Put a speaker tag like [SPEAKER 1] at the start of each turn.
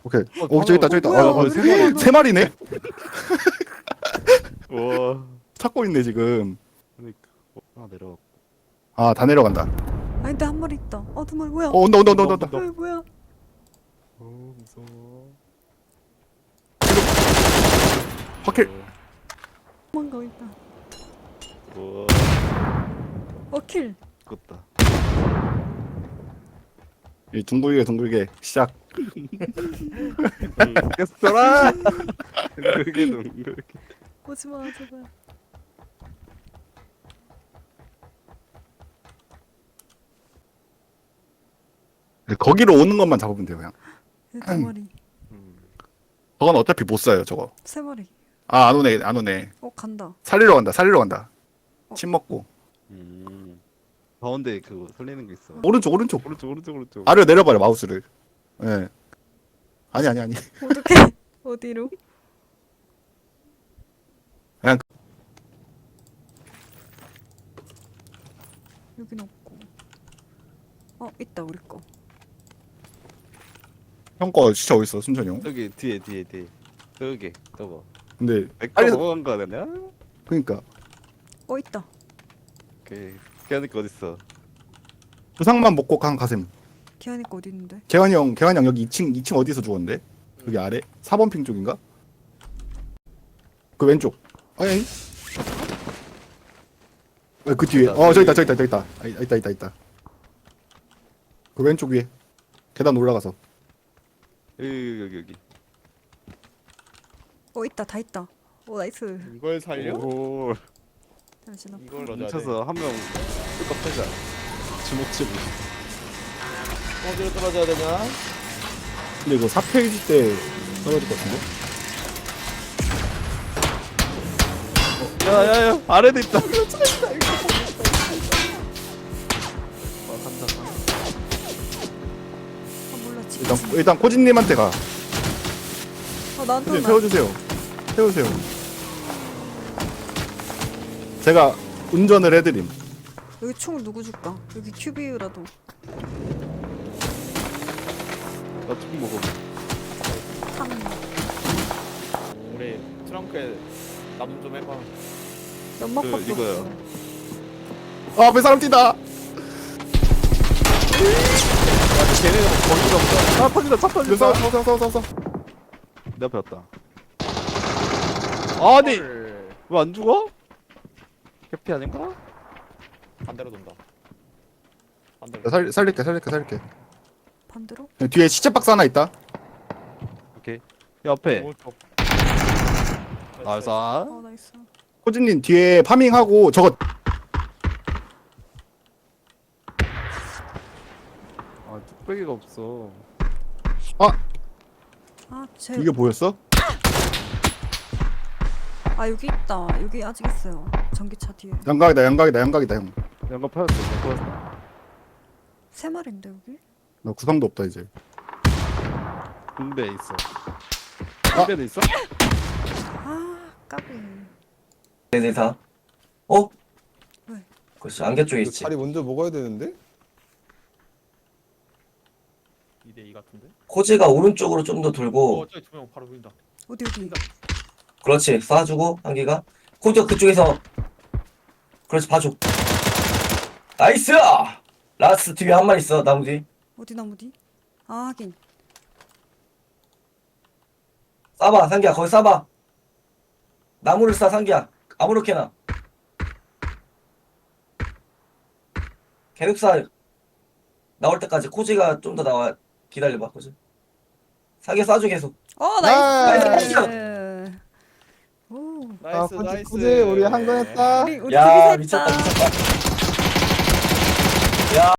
[SPEAKER 1] 오케이. 저기 있다, 저기 있다.
[SPEAKER 2] 뭐야,
[SPEAKER 1] 세
[SPEAKER 2] 뭐야,
[SPEAKER 1] 마리, 세 마리네.
[SPEAKER 3] 와.
[SPEAKER 1] 찾고 있네 지금.
[SPEAKER 3] 그러니까. 하나 내려.
[SPEAKER 1] 아, 다 내려간다.
[SPEAKER 2] 아니 근데 한 마리 있다. 두 마리 뭐야?
[SPEAKER 1] 온다, 온다, 온다, 온다.
[SPEAKER 2] 뭐야?
[SPEAKER 3] 무서워.
[SPEAKER 1] 확킬.
[SPEAKER 2] 도망가 있다.
[SPEAKER 3] 와.
[SPEAKER 2] 킬.
[SPEAKER 3] 죽었다.
[SPEAKER 1] 이 둥글게 시작.
[SPEAKER 3] 계속 돌아. 둥글게.
[SPEAKER 2] 오지마 제발.
[SPEAKER 1] 거기로 오는 것만 잡으면 돼요, 그냥.
[SPEAKER 2] 두 마리.
[SPEAKER 1] 저건 어차피 못 사요, 저거.
[SPEAKER 2] 세 마리.
[SPEAKER 1] 아, 안 오네, 안 오네.
[SPEAKER 2] 간다.
[SPEAKER 1] 살리러 간다, 살리러 간다. 침 먹고.
[SPEAKER 3] 가운데 그거 설리는 거 있어.
[SPEAKER 1] 오른쪽, 오른쪽.
[SPEAKER 3] 오른쪽.
[SPEAKER 1] 아래로 내려봐요, 마우스를. 예. 아니.
[SPEAKER 2] 어떻게? 어디로?
[SPEAKER 1] 그냥
[SPEAKER 2] 여긴 없고. 있다 우리 거.
[SPEAKER 1] 형 거 진짜 어딨어, 순천이 형.
[SPEAKER 3] 저기 뒤에. 저기 저거.
[SPEAKER 1] 근데
[SPEAKER 3] 내거
[SPEAKER 1] 빨리
[SPEAKER 3] 먹은 거 아니야?
[SPEAKER 1] 그러니까
[SPEAKER 2] 있다.
[SPEAKER 3] 오케이. 걔한테 어딨어?
[SPEAKER 1] 부상만 먹고 가셈.
[SPEAKER 2] 기한이 거 어디 있는데?
[SPEAKER 1] 개환이 형 여기 2층 어디서 죽었는데? 여기 아래? 4번 핑 쪽인가? 그 왼쪽. 아니. 그 뒤에. 저기 있다. 있다. 그 왼쪽 위에. 계단 올라가서.
[SPEAKER 3] 여기.
[SPEAKER 2] 있다 다 있다. 나이스.
[SPEAKER 4] 이걸 살려?
[SPEAKER 3] 오.
[SPEAKER 2] 잠시만.
[SPEAKER 4] 이걸 넣어줘야 돼.
[SPEAKER 3] 뭉쳐서 한 명 뚜껑 패자. 주먹질.
[SPEAKER 4] 어디로 떨어져야 되냐?
[SPEAKER 1] 근데 이거 4페이지 때 떨어질 것 같은데?
[SPEAKER 3] 야야야 아래도 있다.
[SPEAKER 2] 몰라 지금.
[SPEAKER 1] 일단 코진님한테 가.
[SPEAKER 2] 나한테
[SPEAKER 1] 코진
[SPEAKER 2] 오나?
[SPEAKER 1] 세우세요. 제가 운전을 해드림.
[SPEAKER 2] 여기 총 누구 줄까? 여기 큐비유라도.
[SPEAKER 3] 나총 먹어.
[SPEAKER 2] 탕.
[SPEAKER 4] 우리 트렁크에 남 좀 해봐.
[SPEAKER 2] 연막밖에
[SPEAKER 3] 이거요.
[SPEAKER 2] 없어.
[SPEAKER 1] 앞에 사람 뛴다.
[SPEAKER 4] 걔네는 거기가 없어.
[SPEAKER 3] 터진다. 차 터진다.
[SPEAKER 1] 싸워.
[SPEAKER 3] 내 앞에 왔다. 아니
[SPEAKER 4] 헐.
[SPEAKER 3] 왜 안 죽어? 해피 아닌가?
[SPEAKER 4] 반대로 돈다. 반대로.
[SPEAKER 1] 살릴게.
[SPEAKER 2] 반대로?
[SPEAKER 1] 뒤에 시체 박스 하나 있다.
[SPEAKER 3] 오케이. 야 앞에.
[SPEAKER 4] 오른쪽.
[SPEAKER 3] 나이스.
[SPEAKER 2] 나이스.
[SPEAKER 1] 코진님 뒤에 파밍하고 저거
[SPEAKER 3] 아 뚝배기가 없어.
[SPEAKER 2] 쟤.
[SPEAKER 1] 이게 보였어?
[SPEAKER 2] 여기 있다. 여기 아직 있어요. 전기차 뒤에.
[SPEAKER 1] 양각이다 형.
[SPEAKER 3] 연가 파였어.
[SPEAKER 2] 세 마리인데 여기?
[SPEAKER 1] 나 구상도 없다 이제.
[SPEAKER 3] 군대 있어. 군대도 있어?
[SPEAKER 2] 까비.
[SPEAKER 5] 네네 다. 어?
[SPEAKER 2] 왜?
[SPEAKER 5] 그렇지 안개 쪽에 있지.
[SPEAKER 6] 자리 먼저 먹어야 되는데?
[SPEAKER 4] 2대2 같은데?
[SPEAKER 5] 코지가 오른쪽으로 좀 더 돌고.
[SPEAKER 4] 저기 두 명 바로 보인다.
[SPEAKER 2] 어디?
[SPEAKER 5] 그렇지 쏴주고 한개가. 코지가 그쪽에서. 그렇지 봐줘. 나이스! 라스 뒤에 한 마리 있어 나무 뒤.
[SPEAKER 2] 어디 나무 뒤? 하긴.
[SPEAKER 5] 쏴봐 상기야 거기 쏴봐. 나무를 쏴 상기야. 아무렇게나. 계속 쏴. 나올 때까지 코지가 좀 더 나와. 기다려봐 코지. 상기야 쏴줘 계속.
[SPEAKER 2] 나이스.
[SPEAKER 5] 나이스.
[SPEAKER 2] 오.
[SPEAKER 4] 나이스 나이스.
[SPEAKER 6] 코지 우리 한 건 했다.
[SPEAKER 2] 우리
[SPEAKER 5] 야
[SPEAKER 2] 둘이서
[SPEAKER 5] 미쳤다
[SPEAKER 2] 했다.
[SPEAKER 5] 미쳤다. 야